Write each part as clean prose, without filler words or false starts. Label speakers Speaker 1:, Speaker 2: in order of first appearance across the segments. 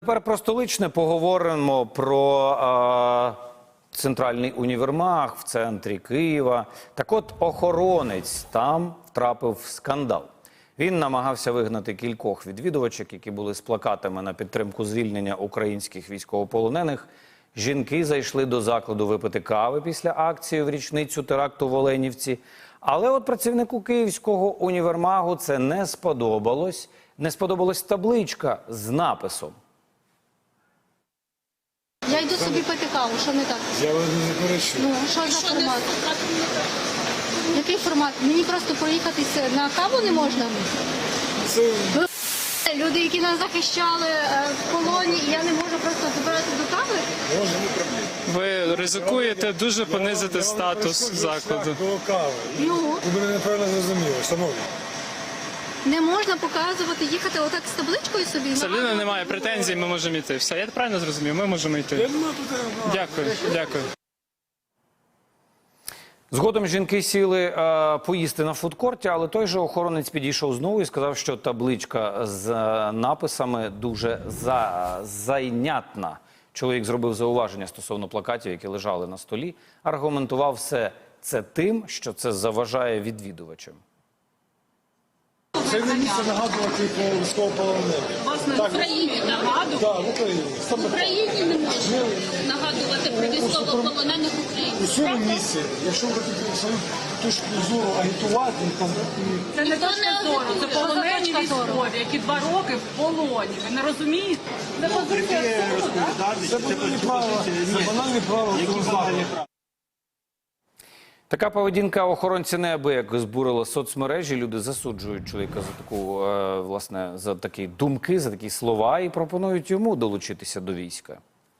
Speaker 1: Тепер про столичне поговоримо про центральний універмаг в центрі Києва. Так от охоронець там втрапив в скандал. Він намагався вигнати кількох відвідувачок, які були з плакатами на підтримку звільнення українських військовополонених. Жінки зайшли до закладу випити кави після акції в річницю теракту в Оленівці. Але от працівнику Київського універмагу це не сподобалось. Не сподобалась табличка з написом.
Speaker 2: Я йду собі пити каву, що не так?
Speaker 3: Я вас не заперечую.
Speaker 2: Ну, що за формат? Який формат? Мені просто проїхатися на каву не можна?
Speaker 3: Це
Speaker 2: Люди, які нас захищали в полоні, і я не можу просто добиратися до кави?
Speaker 3: може не проблема.
Speaker 4: Ви ризикуєте дуже понизити статус закладу.
Speaker 3: До кави.
Speaker 2: Ну?
Speaker 3: Ви мене неправильно зрозуміли, шановні.
Speaker 2: Не можна показувати, їхати отак з табличкою собі?
Speaker 4: Це людина не має претензій, ми можемо йти. Все, я правильно зрозумів, ми можемо
Speaker 3: Я
Speaker 4: йти.
Speaker 3: не маю тут...
Speaker 4: Дякую, дякую.
Speaker 1: Згодом жінки сіли поїсти на фудкорті, але той же охоронець підійшов знову і сказав, що табличка з написами дуже зайнятна. Чоловік зробив зауваження стосовно плакатів, які лежали на столі. Аргументував все це тим, що це заважає відвідувачам.
Speaker 3: Це не місце нагадувати про військовополонених.
Speaker 5: Власне, в Україні нагадувати.
Speaker 3: Так, в Україні.
Speaker 5: В Україні не можна нагадувати про військовополонених
Speaker 3: У
Speaker 5: українців.
Speaker 3: цьому місці, якщо ви хочете свою точку зору агітувати, там,
Speaker 5: Це не точка зору, це полонені
Speaker 2: точка зору?
Speaker 5: військові, які 2 роки в полоні. Ви не розумієте? Це позиція суду, так?
Speaker 3: це банальне право, це банальне право впливати.
Speaker 1: Така поведінка охоронця неабияк збурила соцмережі. Люди засуджують чоловіка за таку, власне, за такі думки, за такі слова і пропонують йому долучитися до війська.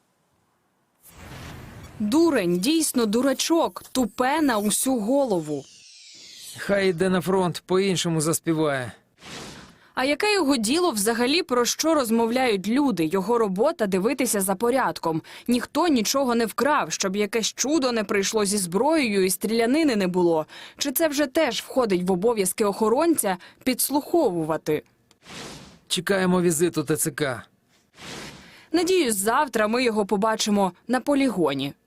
Speaker 6: Дурень, дійсно дурачок, тупе на усю голову.
Speaker 7: Хай йде на фронт, по-іншому заспіває.
Speaker 6: А яке його діло взагалі, про що розмовляють люди? Його робота – дивитися за порядком. Ніхто нічого не вкрав, щоб якесь чудо не прийшло зі зброєю і стрілянини не було. Чи це вже теж входить в обов'язки охоронця – підслуховувати?
Speaker 7: Чекаємо візиту ТЦК.
Speaker 6: Надіюсь, завтра ми його побачимо на полігоні.